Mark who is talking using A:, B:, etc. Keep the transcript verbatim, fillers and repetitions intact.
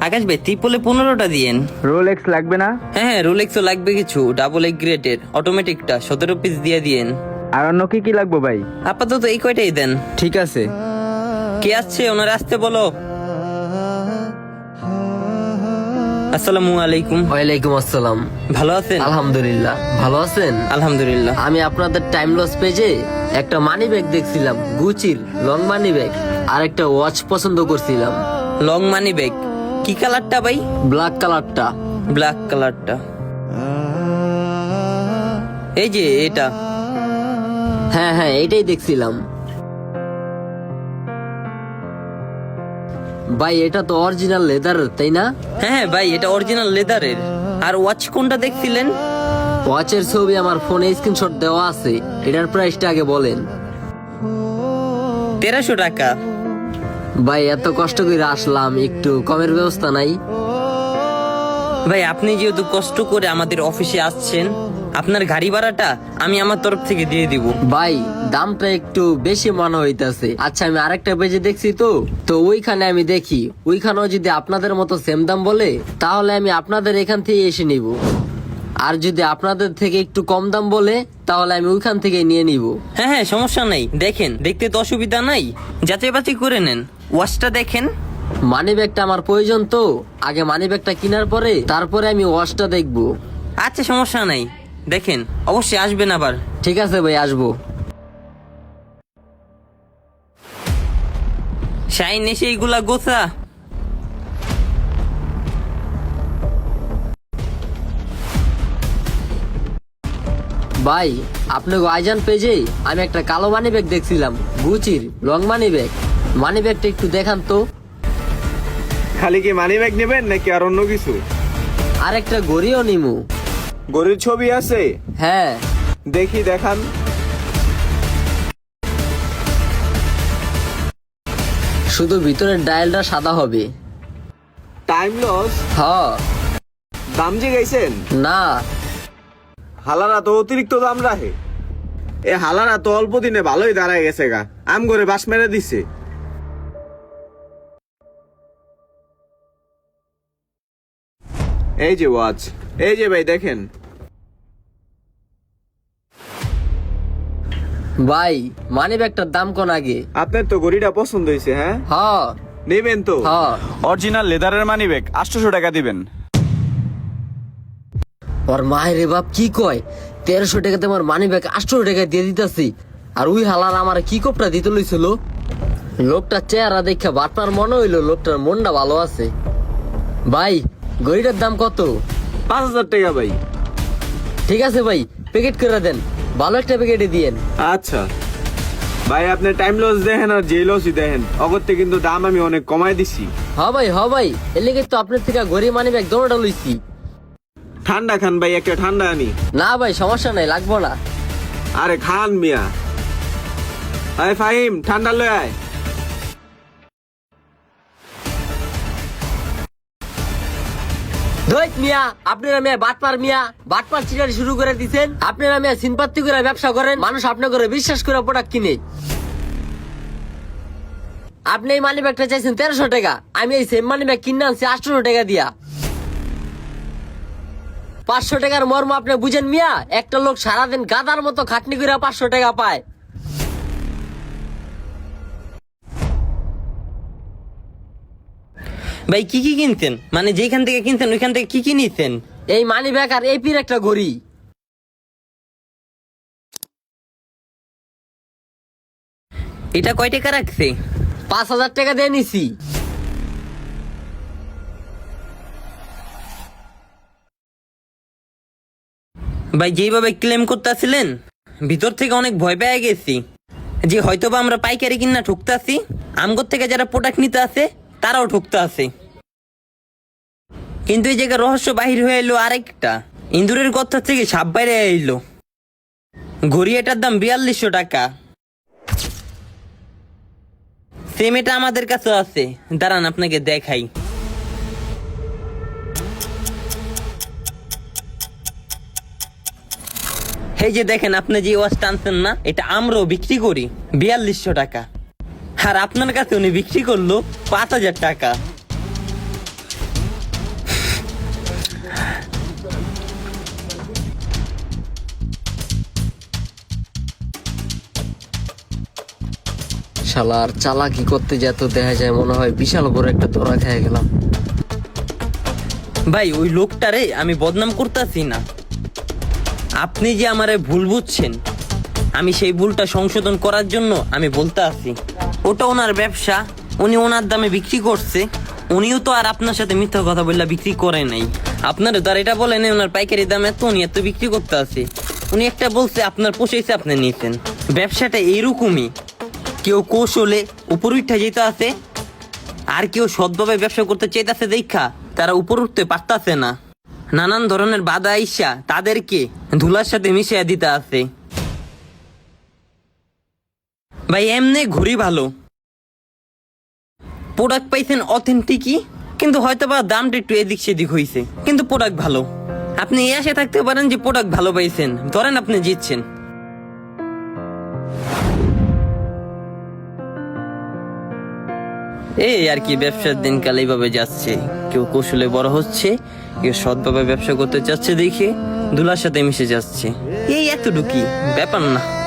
A: আকাশ ভাই ত্রিপলে পনেরোটা দিয়েন।
B: রোলেক্স লাগবে না?
A: হ্যাঁ হ্যাঁ রোলেক্সও লাগবে কিছু, ডাবল এক গ্রেডের অটোমেটিকটা সতেরো পিস দিয়ে দিয়েন।
B: আর অন্য কি কি লাগবে ভাই?
A: আপাতত এই কয়টাই দেন।
B: ঠিক আছে।
A: কে আসছে ওনার আসতে বলো। আসসালামু আলাইকুম।
C: ওয়ালাইকুম আসসালাম।
A: ভালো আছেন?
C: আলহামদুলিল্লাহ। ভালো আছেন?
A: আলহামদুলিল্লাহ।
C: আমি আপনাদের টাইম লস পেজে একটা মানি ব্যাগ দেখছিলাম, গুচির লং মানি ব্যাগ, আর একটা ওয়াচ পছন্দ করছিলাম।
A: লং মানি ব্যাগ কি কালারটা ভাই?
C: ব্ল্যাক কালারটা।
A: ব্ল্যাক কালারটা, এই যে এটা।
C: হ্যাঁ হ্যাঁ এইটাই দেখছিলাম। ভাই এটা তো অরিজিনাল লেদারের, তাই না?
A: হ্যাঁ হ্যাঁ ভাই এটা অরিজিনাল লেদারের। আর ওয়াচ কোনটা দেখছিলেন?
C: ওয়াচের ছবি আমার ফোনে স্ক্রিনশট দেওয়া আছে। এটার প্রাইসটা আগে বলেন।
A: তেরোশো টাকা।
C: ভাই এত কষ্ট করে আসলাম, একটু কমের ব্যবস্থা নাই?
A: ভাই আপনি যেহেতু কষ্ট করে আমাদের অফিসে আসছেন, আপনার গাড়ি ভাড়াটা আমি আমার তরফ থেকে দিয়ে দিব।
C: ভাই দামটা একটু বেশি মনে হইতাছে। আচ্ছা আমি আরেকটা পেজে দেখছি তো তো ওইখানে আমি দেখি ওইখানেও যদি আপনাদের মতো সেম দাম বলে তাহলে আমি আপনাদের এখান থেকে এসে নিব। আর যদি আপনাদের থেকে একটু কম দাম বলে তাহলে আমি ওইখান থেকে নিয়ে নিব।
A: হ্যাঁ হ্যাঁ সমস্যা নাই, দেখেন দেখতে তো অসুবিধা নাই, যাচাই বাছাই করে নেন। ওয়াচটা দেখেন।
C: মানি ব্যাগটা আমার প্রয়োজন তো, আগে মানি ব্যাগটা কেনার পরে তারপরে আমি ওয়াচটা দেখবো।
A: আচ্ছা সমস্যা নাই, দেখেন অবশ্যই আসবেন আবার।
C: ঠিক আছে ভাই, আসবো।
A: শাইন এসে এইগুলা গোছা।
C: ভাই আপনাকে আইজান পেজে আমি একটা কালো মানি ব্যাগ দেখছিলাম, গুচির লং মানি ব্যাগ। মানি ব্যাগটা একটু দেখান তো।
B: খালি কি মানি ব্যাগ নেবেন নাকি আর অন্য কিছু?
C: আর একটা গড়িও নিমু।
B: গরুর ছবি আছে?
C: হ্যাঁ।
B: দেখি দেখান।
C: শুধু ভিতরের ডায়ালটা সাদা হবে।
B: Time loss?
C: হ।
B: দাম যে গাইছেন?
C: না।
B: হালারা তো অতিরিক্ত দাম রাখে। এ হালারা তো অল্প দিনে ভালোই দাঁড়ায় গেছে গা, আম করে বাস মেরে দিছে। এই যে ওয়াচ, এই যে ভাই দেখেন।
C: ভাই মানি ব্যাগটার দাম কোন আগে?
B: আপনার তো গড়িটা পছন্দ হয়েছে, হ্যাঁ
C: হ।
B: নেবেন তো?
C: হ।
D: অরিজিনাল লেদারের মানি ব্যাগ আটশোশো টাকা দিবেন।
C: ওর মায়ের বাপ কি কয়, তেরোশো টাকাতে আমার মানি ব্যাগ আটশো টাকা দিয়ে দিতেছি। আর ওই হালার আমার কি কোপটা দিতে লইছিল। লোকটার চেহারা দেখে বাটনার মনে হইলো লোকটার মনটা ভালো আছে। ভাই গড়িটার দাম কত?
B: পাঁচ হাজার টাকা ভাই।
C: ঠিক আছে ভাই, প্যাকেট করে দেন, ভালো একটা প্যাকেটে দিয়েন।
B: আচ্ছা ভাই, আপনি টাইম লস দেখেন আর যে লসই দেখেন, অগত্যে কিন্তু দাম আমি অনেক কমাই দিছি।
C: হ ভাই হ ভাই, এর লেগে তো আপনার থেকে গড়ি মানি ব্যাগ দোনোটা লইছি।
B: ঠান্ডা খান ভাই, একটা ঠান্ডা আনি।
C: না ভাই সমস্যা নাই, লাগবো না।
B: আরে খান মিয়া। আয় ফাহিম, ঠান্ডা লয় আয়।
C: ধৈত মিয়া, আপনারা মিয়া বাটপার মিয়া, বাটপার চিটারি শুরু করে দিছেন। আপনারা মিয়া সিনপাত্তি করে ব্যবসা করেন, মানুষ আপনার করে বিশ্বাস করে প্রোডাক্ট কিনে। আপনি এই মানি ব্যাগটা চাইছেন তেরোশো টাকা, আমি এই সেম মানি ব্যাগ কিনে আনছি আটশোশো টাকা দিয়া। পাঁচশো টাকার মর্ম আপনি বুঝেন মিয়া? একটা লোক সারাদিন গাদার মতো খাটনি করে পাঁচশো টাকা পায়।
A: ভাই কি কি কিনতেন, মানে যেখান থেকে কিনতেন ওইখান থেকে কি কি নিতেন?
C: এই মানি ব্যাগ আর এপির একটা ঘড়ি।
A: এটা কয় টাকা রাখছে?
C: পাঁচ হাজার টাকা দিয়ে নিছি।
A: ভাই যেইভাবে ক্লেম করতেছিলেন ভিতর থেকে অনেক ভয় পেয়ে গেছি যে হয়তোবা আমরা পাইকারি কিনা ঠুকতাছি, আমগর থেকে যারা প্রোডাক্ট নিতে আসে তারাও ঠুকতে আসে। কিন্তু এই জায়গায় রহস্য বাহির হয়ে এলো আরেকটা, ইন্দুরের কথা থেকে সাপ বাইরে এলো। ঘড়ি এটার দাম বিয়াল্লিশশো টাকা। সেম এটা আমাদের কাছে আছে, দাঁড়ান আপনাকে দেখাই। এই যে দেখেন, আপনি যে ওয়াচটা আনছেন না, এটা আমরাও বিক্রি করি বিয়াল্লিশশো টাকা, আর আপনার কাছে উনি বিক্রি করলো পাঁচ হাজার টাকা।
C: শালার চালাকি করতে যেত দেখা যায় মনে হয় বিশাল বড় একটা ধরা খেয়ে গেলাম।
A: ভাই ওই লোকটারে আমি বদনাম করতেছি না, আপনি যে আমারে ভুল বুঝছেন, আমি সেই ভুলটা সংশোধন করার জন্য আমি বলতে আছি। ওটা ওনার ব্যবসা, উনি ওনার দামে বিক্রি করছে, উনিও তো আর আপনার সাথে মিথ্যা কথা বললে বিক্রি করে নাই। আপনার তো আর এটা বলেন ওনার পাইকারি দাম এত, উনি এত বিক্রি করতে আছে। উনি একটা বলছে আপনার পোষাইছে, আপনি নিয়েছেন। ব্যবসাটা এইরকমই, কেউ কৌশলে উপর উঠে যেতে আছে, আর কেউ সৎভাবে ব্যবসা করতে চাইতেছে দেখা তারা উপর উঠতে পারতাছে না। নানান ধরনের বাধা আইসা তাদেরকে ধুলার সাথে মিশিয়ে দিতে আছে। ভাই এমনি ঘুরি ভালো, প্রোডাক্ট পাইছেন অথেন্টিকই, কিন্তু হয়তো বা দামটা একটু এদিক সেদিক হয়েছে, কিন্তু প্রোডাক্ট ভালো। আপনি এই আশা থাকতে পারেন যে প্রোডাক্ট ভালো পাইছেন, ধরেন আপনি জিতছেন। এই আর কি, ব্যবসার দিনকাল এইভাবে যাচ্ছে। কেউ কৌশলে বড় হচ্ছে, কেউ সৎভাবে ব্যবসা করতে চাচ্ছে দেখে ধুলার সাথে মিশে যাচ্ছে। এই এতটুকুই ব্যাপার না।